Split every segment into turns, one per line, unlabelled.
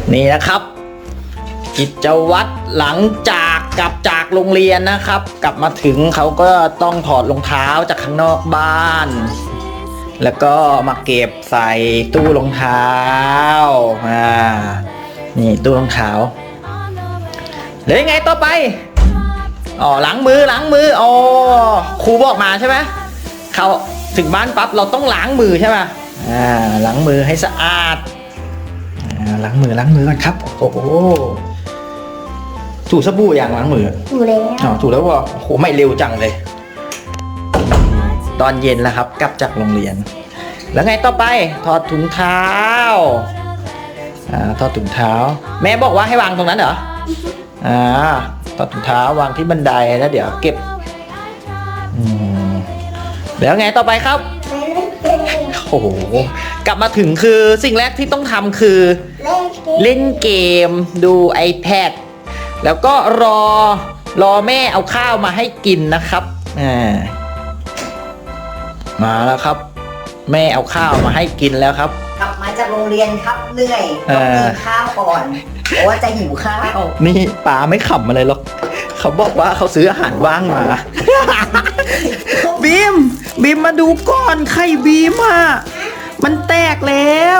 นี่นะครับกิจวัตรหลังจากกลับจากโรงเรียนนะครับ กลับมาถึงเขาก็ต้องถอดรองเท้าจากข้างนอกบ้าน แล้วก็มาเก็บใส่ตู้รองเท้านี่ตู้รองเท้าแล้วยังไงต่อไปอ๋อล้างมืออ๋อครูบอกมาใช่ไหมเขาถึงบ้านปั๊บเราต้องล้างมือใช่ไหมล้างมือให้สะอาดล้างมือก่อนครับโอ้โหถูสบู่อย่างล้างมือ
ถูแล้ว
อ๋อถูแล้วว่าโอ้โหไม่เร็วจังเลยตอนเย็นแล้วครับกลับจากโรงเรียนแล้วไงต่อไปถอดถุงเท้าถอดถุงเท้าแม่บอกว่าให้วางตรงนั้นเหรอถอดถุงเท้าวางที่บันไดแล้วเดี๋ยวเก็บแล้วไงต่อไปครับโอ้โหกลับมาถึงคือสิ่งแรกที่ต้องทำคือเล่นเกมดู iPad แล้วก็รอแม่เอาข้าวมาให้กินนะครับมาแล้วครับแม่เอาข้าวมาให้กินแล้วครับ
กลับมาจากโรงเรียนครับเหนื่อยต้องกินข้าวก่อนเพราะว่าจะหิวข้าว
นี่ป๋าไม่ขำอะไรหรอกเขาบอกว่าเขาซื้ออาหารว่างมา บีมมาดูก่อนไข่บีมอ่ะมันแตกแล้ว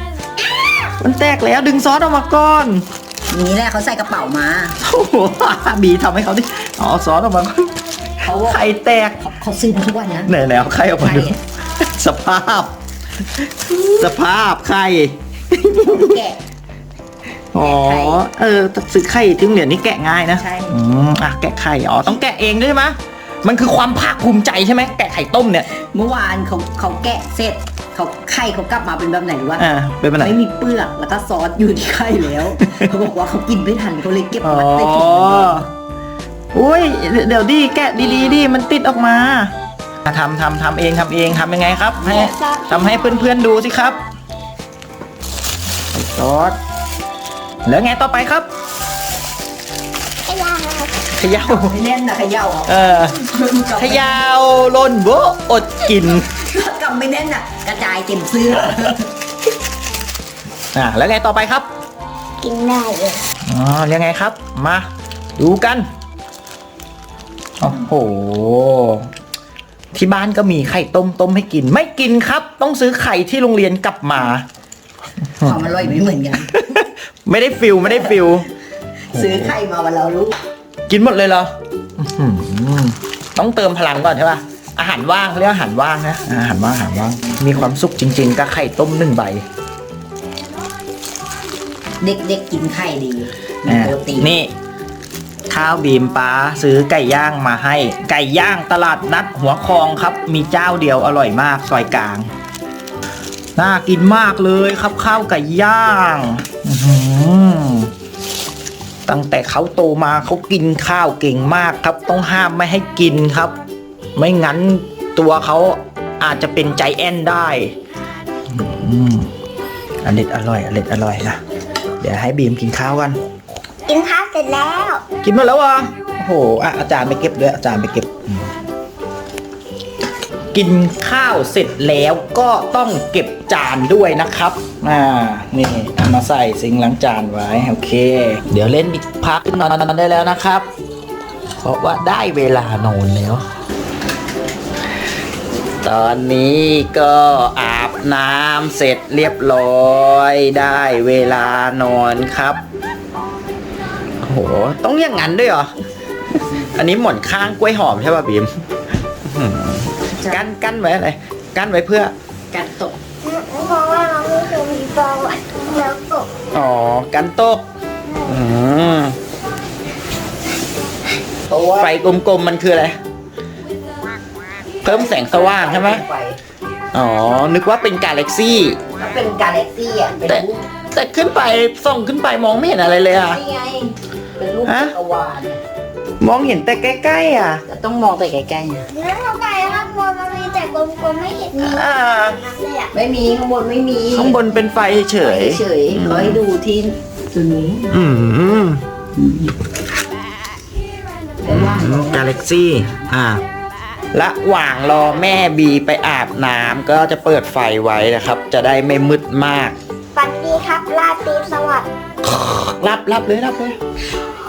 ดึงซอสออกมาก่อน
นี่แหละเขาใส่กระเป๋ามา
โอ้โหบีทำให้เขาดิเอาซอสออกมาไข่แตก
เขาซื้อมาทุกวันนะ
ไหนเอาไข่ออกมาดูสภาพไข่
แกะ
อ๋อซื้อไข่ที่โรงเรียนนี่แกะง่ายนะ
ใช่
แกะไข่ต้องแกะเองด้วยใช่ไหมมันคือความภาคภูมิใจใช่ไหมแกะไข่ต้มเนี่ย
เมื่อวานเขาแกะเสร็จไข่เขากลับมาเป็นแบบไหนวะ
เป็นแบบไหน
ไม่มีเปลือกแล้วก็ซอสอยู่ที่ไข่แล้วเขาบอกว่าเขากินไม่ทันเขาเลยเก็บมัดใส่ถุง
อุ้ยเดี๋ยวดิแกะดีดิมันติดออกมาทำเองทำยังไงครับทำให้เพื่อนๆดูสิครับซอสแล้วไงต่อไปครับเขย่า
ไม่เล่นนะเขย่า
เขย่าล่นโบอดกิน
กำไม่แน่นน่ะกระจายเต็มเสื้อ
แล้วไงต่อไปครับ
กินได้เลย
ยังไงครับมาดูกันโอ้โหที่บ้านก็มีไข่ต้มให้กินไม่กินครับต้องซื้อไข่ที่โรงเรียนกลับมา
ความอร่อยไม่เหมือนกัน
ไม่ได้ฟิล
ซื้อไข่มาวันละลูก
กินหมดเลยเหรอต้องเติมพลังก่อนใช่ป่ะอาหารว่างเรียกอาหารว่างนะอาหารว่างมีความสุขจริงๆกับไข่ต้ม1 ใบ
เด็กกินไข่ดีมีโปรตีน
นี่ข้าวบีมป้าซื้อไก่ย่างมาให้ไก่ย่างตลาดนัดหัวคลองครับมีเจ้าเดียวอร่อยมากซอยกลางน่ากินมากเลยครับข้าวไก่ย่างตั้งแต่เขาโตมาเขากินข้าวเก่งมากครับต้องห้ามไม่ให้กินครับไม่งั้นตัวเขาอาจจะเป็นใจแอนได้อร่อยนะเดี๋ยวให้บีมกินข้าวกัน
กินข้าวเสร็จแล้ว
กินหมดแล้วโอ้โหอาจารย์ไปเก็บด้วยอาจารย์ไปเก็บกินข้าวเสร็จแล้วก็ต้องเก็บจานด้วยนะครับนี่มาใส่ซิงค์ล้างจานไว้โอเคเดี๋ยวเล่นอีกพักนอนได้แล้วนะครับเพราะว่าได้เวลานอนแล้วตอนนี้ก็อาบน้ำเสร็จเรียบร้อยได้เวลานอนครับโอ้โหต้องอย่างนั้นด้วยเหรออันนี้หมอนข้างกล้วยหอมใช่ป่ะบีมกั้นไว้อะไรกั้นไว้เพื่อ
กันตกเพราะว่าเราไม่เคยมีฟองแล้วตก
กันตกไฟกลมๆมันคืออะไรเพิ่มแสงสว่างใช่ไหมนึกว่าเป็นกาแล็กซี่
ถ้าเป็นกาแล็กซี่
แต่ขึ้นไปส่องขึ้นไปมองไม่เห็นอะไรเลย
นี่ไงเป็นรูปจักรวาล
มองเห็นแต่ใกล้ๆ
ต้องมองแต่ใกล้ๆแล้วข้างใต้ข้างบนมันมีแต่กลมๆไม่เห็นมีไม่มีข้างบนไม่มี
ข้างบนเป็นไฟเฉย
ขอให้ดูที่ตัวนี้
กาแล็กซี่ระหว่างรอแม่บีไปอาบน้ำก็จะเปิดไฟไว้นะครับจะได้ไม่มืดมาก
ฝันดีครับราตรีสวัสดิ์
รับเลย